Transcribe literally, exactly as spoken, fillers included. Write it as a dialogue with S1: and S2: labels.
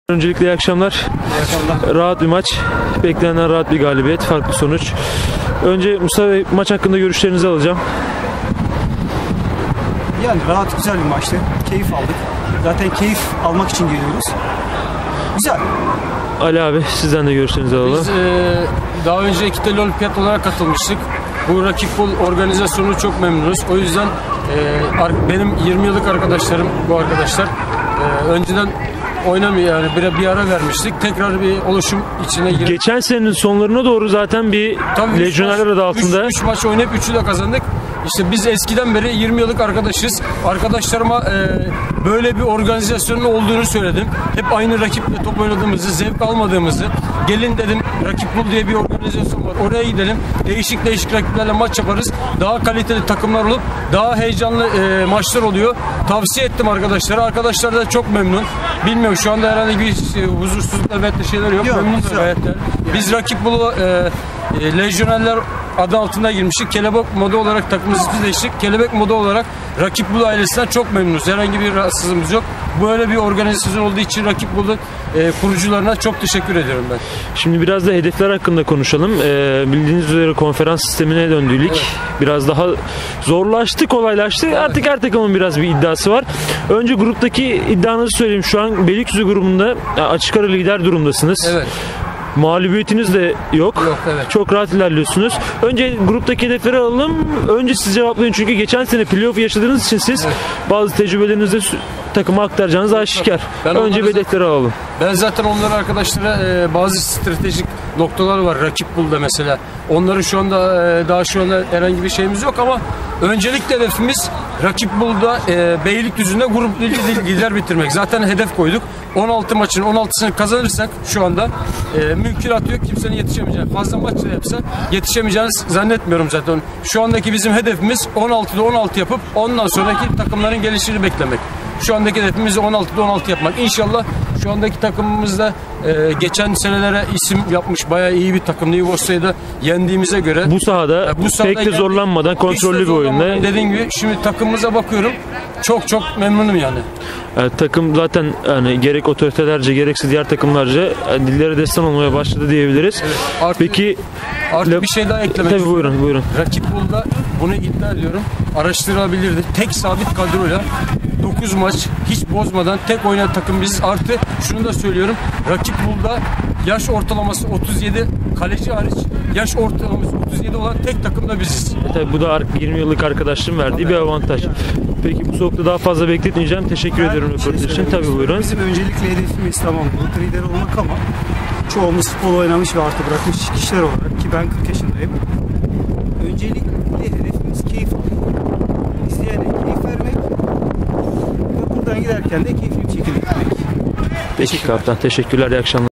S1: Öncelikle iyi akşamlar.
S2: İyi akşamlar.
S1: Rahat bir maç. Beklenenden rahat bir galibiyet. Farklı sonuç. Önce Mustafa Bey, maç hakkında görüşlerinizi alacağım.
S2: Yani rahat, güzel bir maçtı. Keyif aldık. Zaten keyif almak için geliyoruz. Güzel.
S1: Ali abi, sizden de görüşlerinizi alalım.
S3: Biz e, daha önce İkiteli Olimpiyat olarak katılmıştık. Bu rakip bol organizasyonu çok memnunuz. O yüzden e, benim yirmi yıllık arkadaşlarım bu arkadaşlar. E, önceden oynamıyor yani bir, bir ara vermiştik. Tekrar bir oluşum içine girdik.
S1: Geçen senenin sonlarına doğru zaten bir
S3: Tabii
S1: Lejyonerler adı altında.
S3: üç maç oynayıp üçü de kazandık. İşte biz eskiden beri yirmi yıllık arkadaşız. Arkadaşlarıma e, böyle bir organizasyonun olduğunu söyledim. Hep aynı rakiple top oynadığımızı, zevk almadığımızı. Gelin dedim, Rakip Bul diye bir organizasyon var. Oraya gidelim. Değişik değişik rakiplerle maç yaparız. Daha kaliteli takımlar olup daha heyecanlı e, maçlar oluyor. Tavsiye ettim arkadaşlara. Arkadaşlar da çok memnun. Bilmiyorum şu anda herhangi bir e, huzursuzluk elbette şeyler yok.
S2: Yok,
S3: Memnun
S2: güzel.
S3: gayet. Biz Rakip Bul'a e, e, Lejyonerler adı altında girmiştik. Kelebek modu olarak takımımızı değiştik. Kelebek modu olarak Rakip Bul ailesinden çok memnunuz. Herhangi bir rahatsızlığımız yok. Böyle bir organizasyon olduğu için Rakip Bul'un e, kurucularına çok teşekkür ediyorum ben.
S1: Şimdi biraz da hedefler hakkında konuşalım. Ee, bildiğiniz üzere konferans sistemine döndük.
S3: Evet.
S1: Biraz daha zorlaştı, kolaylaştı. Evet. Artık her takımın biraz bir iddiası var. Önce gruptaki iddianızı söyleyeyim. Şu an Beylikdüzü grubunda açık ara lider durumdasınız.
S3: Evet.
S1: Mağlubiyetiniz de yok.
S3: Yok, evet.
S1: Çok rahat ilerliyorsunuz. Önce gruptaki hedefleri alalım. Önce siz cevaplayın çünkü geçen sene playoff yaşadığınız için siz
S3: Evet.
S1: bazı tecrübelerinizi de takıma aktaracağınız aşikar.
S3: Ben
S1: Önce
S3: onları
S1: hedefleri alalım.
S3: Ben zaten onlara arkadaşlara e, bazı stratejik noktalar var Rakip Bul'da mesela. Onları şu anda e, daha şu anda herhangi bir şeyimiz yok ama öncelikle hedefimiz Rakip Bul'da e, Beylikdüzü'nde grup lider bitirmek. Zaten hedef koyduk. on altı maçın on altısını kazanırsak şu anda e, mümkünatı yok kimsenin yetişemeyeceği. Fazla maç da yapsa yetişemeyeceğini zannetmiyorum zaten. Şu andaki bizim hedefimiz on altıda on altı yapıp ondan sonraki takımların gelişini beklemek. Şu andaki hedefimiz on altıda on altı yapmak. İnşallah şu andaki takımımızda e, geçen senelere isim yapmış bayağı iyi bir takımdı. Yugoslavya'yı da yendiğimize göre.
S1: Bu sahada,
S3: Ya bu sahada
S1: pek de zorlanmadan
S3: hiç de
S1: kontrollü bir
S3: zorlanmadan
S1: oyunda.
S3: Dediğim gibi şimdi takımımıza bakıyorum. Çok çok memnunum yani.
S1: Yani takım zaten yani gerek otoritelerce gerekse diğer takımlarca yani dillere destan olmaya başladı diyebiliriz.
S3: Evet. Artı,
S1: Peki
S3: artı bir şey daha eklemek
S1: tabii
S3: istiyorum.
S1: buyurun buyurun.
S3: Rakip Bul'da bunu iddia ediyorum. Araştırılabilirdi. Tek sabit kadroyla dokuz maç hiç bozmadan tek oynayan takım biziz. Artı şunu da söylüyorum. Rakip Bul'da yaş ortalaması otuz yedi, kaleci hariç yaş ortalaması otuz yedi olan tek takım da biziz.
S1: E tabii bu da yirmi yıllık arkadaşlığın verdiği
S3: Tabii.
S1: bir avantaj. Peki bu soğukta daha fazla bekletmeyeceğim. Teşekkür
S2: Ben
S1: ediyorum
S2: bir şey
S1: röportaj için.
S2: söylemek
S1: Tabii
S2: istiyorum.
S1: buyurun.
S2: Bizim öncelikle hedefimiz tamam grup lideri olmak ama çoğumuz futbol oynamış ve artık bırakmış kişiler olarak ki ben kırk yaşındayım. Öncelikle hedefimiz keyif almak. İzleyene keyif vermek ve buradan giderken de keyifli bir şekilde gitmek.
S1: Peki kaptan. Teşekkürler. İyi akşamlar.